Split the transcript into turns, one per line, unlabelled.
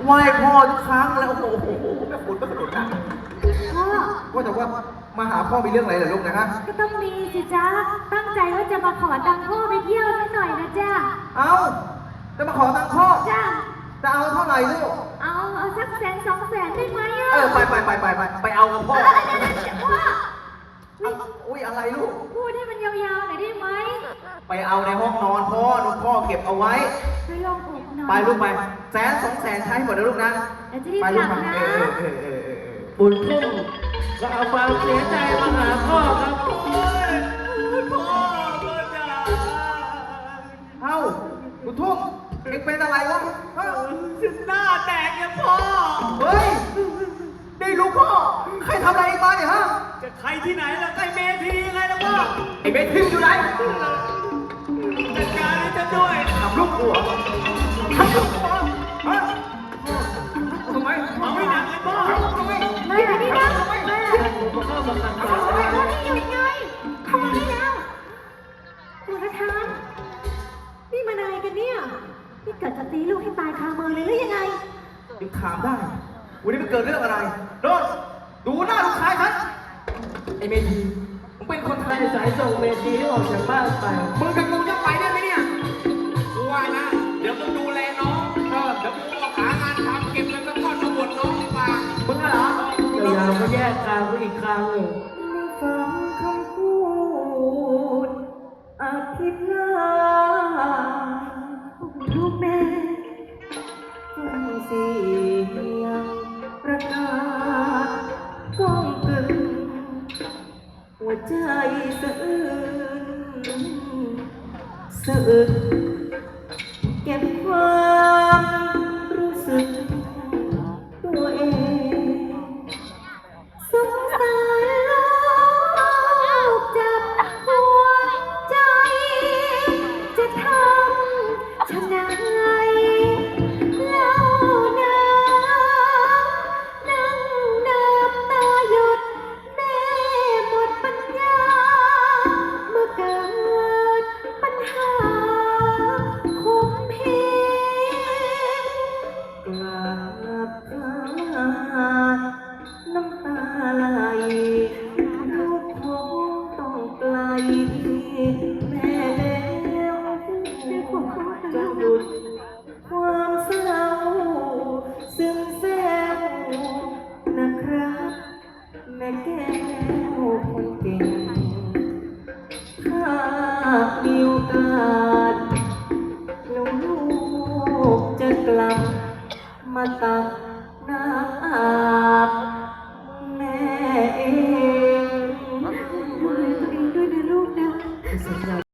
ไหว้พ่อทุกครั้งแล้วโอ้โหแม่คุณก็ขนุนนะ
พ่อ
ว่าแต่ว่ามาหาพ่อมีเรื่องอะไรเหรอลูกนะฮะ
ก็ต้องมีสิจ๊ะตั้งใจว่าจะมาขอตังค์พ่อไปเที่ยวสักหน่อยนะจ๊ะ
เอาจะมาขอตังค์พ่อ
จ้ะ
จะเอาเท่าไหร่ลูก
เอาสัก100,000-200,000ได้ไหมอ่ะ
ไปเอากับพ่อ
เดี๋ยวพ่อ
อุ้ยอะไรลูก
พูดให้มันยาวๆหน่อยได้ไหม
ไปเอาในห้องนอนพ่อลูกพ่อเก็บเอาไว้
ไปลองอกหน่อย
ไปลูกไป100,000-200,000ใช้หมดแล้วลูกนะ
เดี๋ยวจะรีบ
ไป
ก
ลู
ลั
ก
บ
มา
นะ
บุญทุ่งก็เอาความเสียใจมาหาพ่อครับโอ้ยพ่อจ๋า
เอ้าบุญทุ่มเอ็งเป็นอะไรวะเอ้า
ฉันหน้าแตกเนี่ยพ่อ
เฮ้ยได้ลูกพ่อใครทำอะไรเอ็งมาเนี่ยฮะ
จะใครที่ไหนล่ะใครเมทีไงล่ะพ่อ
ไอ้เบสทิมอยู่ไหน
จัดการให้ฉันด้วย
ทำลูกกูเหรอทำลูกกูเหรอฮะทำไม
เอาให้หนักเลยพ่อ
ทำไม
มาเดี๋ยวนี้นะมา
ผมก็เข้ามาขัด
เอา
ขวาง
ไป
ไว้
หยุดไงทำไมแล้วหัวกระทานนี่มันอะไรกันเนี่ยนี่เกิดจะตีลูกให้ตายคามือเลยหรือยังไง
ยังถามได้ วันนี้มันเกิดเรื่องอะไรโดนดูหน้าลูกชายฉันไอ้เมธีมึงเป็นคนไท
ให้
ย
สายส่งเมทีให้ออกจากบ้านไป
มึงกับกูจะไปได้ไหมเนี่ย
กูว่านะ เดี๋ยวมึงดูแลน้องเดี๋ยวกูออกหางานทำเก็บเงินสักก้อนมาบวชน้องดีกว่า
มึงอะเหรอ
เดี๋ยวยาวก็แยกทางไปอีกทางหนึ่ง
ฟังคำพูดอภิปรายลูกแม่ฟังเสียงประกาศก้องกึ่งหัวใจสะอื้นสะอึกเก็บความรู้สึกตัวเอง สงสารลูกจับหัวใจ จะทำชะไหนเล่านานั่งน้ำตาหยดแม่หมดปัญญา เมื่อเกิดปัญหาคุมเพงกราบเท้า น้ำตาไหลลูกคงต้องไกลแม่แล้วจะหยุดความเศร้าซึมแซวนะครับแม่แก้วคนเก่งถ้ามีโอกาสลูกจะกลับมาตักน้ำอาบแม่เองดูแลตัวเองด้วยนะลูกนะ